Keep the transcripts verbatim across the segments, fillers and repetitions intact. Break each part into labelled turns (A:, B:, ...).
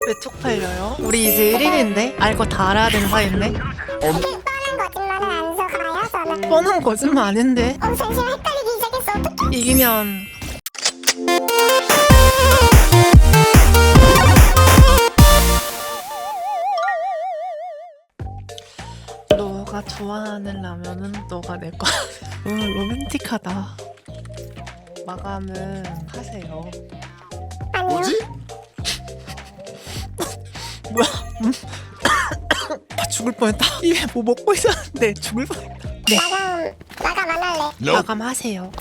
A: 왜 쪽팔려요? 우리 이제 일 인인데? 알 거 다 알아야 되는 사이인데?
B: 뻔한 거짓말은 안 속아요 저는.
A: 뻔한 거짓말 아닌데?
B: 어 잠시만 헷갈리기 시작했어. 어떡해.
A: 이기면 너가 좋아하는 라면은 너가 내 거. 음, 로맨틱하다. 마감은 하세요.
B: 아니요.
C: 뭐지?
A: 뭐야? 음? 아, 죽을 뻔했다. 입에 뭐 먹고 있었는데 죽을 뻔했다. 네,
B: 마감 마감 안 할래.
A: 마감하세요.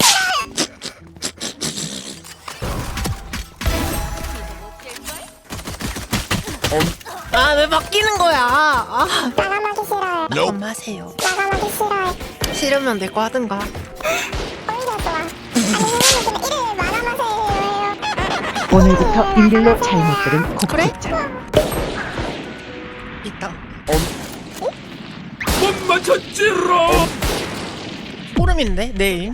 A: 아, 왜 바뀌는 거야? 아,
B: 마감하기 싫어요.
A: 마감하세요.
B: 마감하기 싫어요.
A: 싫으면 내 거 하든가.
B: 오히려 좋아. 아니 선생님 그냥 일일 마감하세요.
D: 오늘부터 일일로 잘못 들은
A: 그래?
D: 곡식장.
A: 있다.
C: 못 맞췄지롱.
A: 소름인데 내일.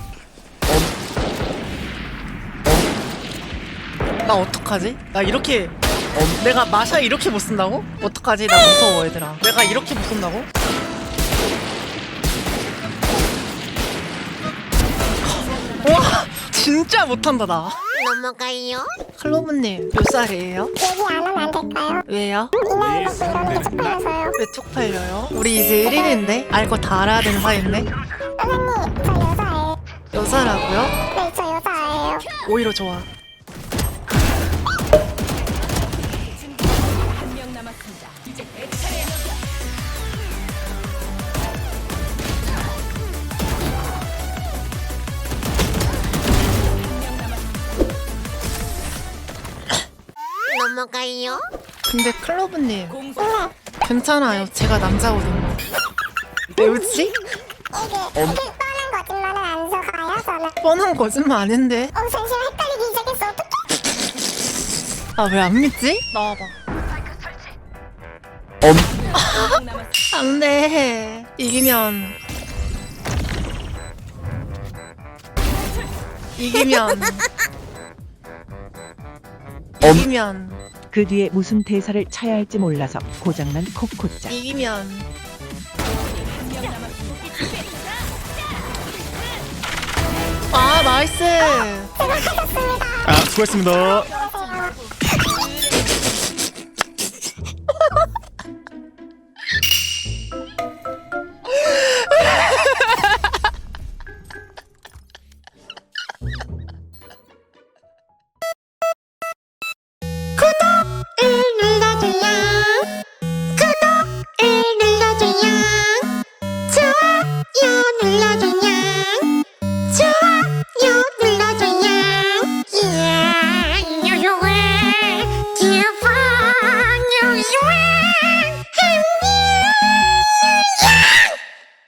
A: 나 어떡하지? 나 이렇게 내가 마샤 이렇게 못 쓴다고? 어떡하지? 나 무서워 얘들아. 내가 이렇게 못 쓴다고? 와 진짜 못한다 나.
B: 넘어가요.
A: 클로브님 몇 살이에요?
B: 얘기 안 하면 안 될까요?
A: 왜요?
B: 이 나이 먹고 이러는 게 쪽팔려서요.
A: 왜 쪽팔려요? 우리 이제 일 인인데? 알 거 다 알아야 되는 사이인데?
B: 선생님 저 여자예요.
A: 여자라고요?
B: 네 저 여자예요.
A: 오히려 좋아.
B: 넘어가요.
A: 근데 클로브님 괜찮아요. 제가 남자거든요. 왜 웃지?
B: 이게 이게 뻔한 거짓말은 안 속아요 저는.
A: 뻔한 거짓말 아닌데?
B: 어 잠시만 헷갈리기 시작했어. 어떡해.
A: 아 왜 안 믿지? 나와봐. 안돼. 이기면 이기면 이기면
D: 그 뒤에 무슨 대사를 쳐야 할지 몰라서 고장난 코코짱.
A: 이기면 아 나이스.
B: 제가 하셨습니다.
C: 아, 수고했습니다.
B: 안녕하세요.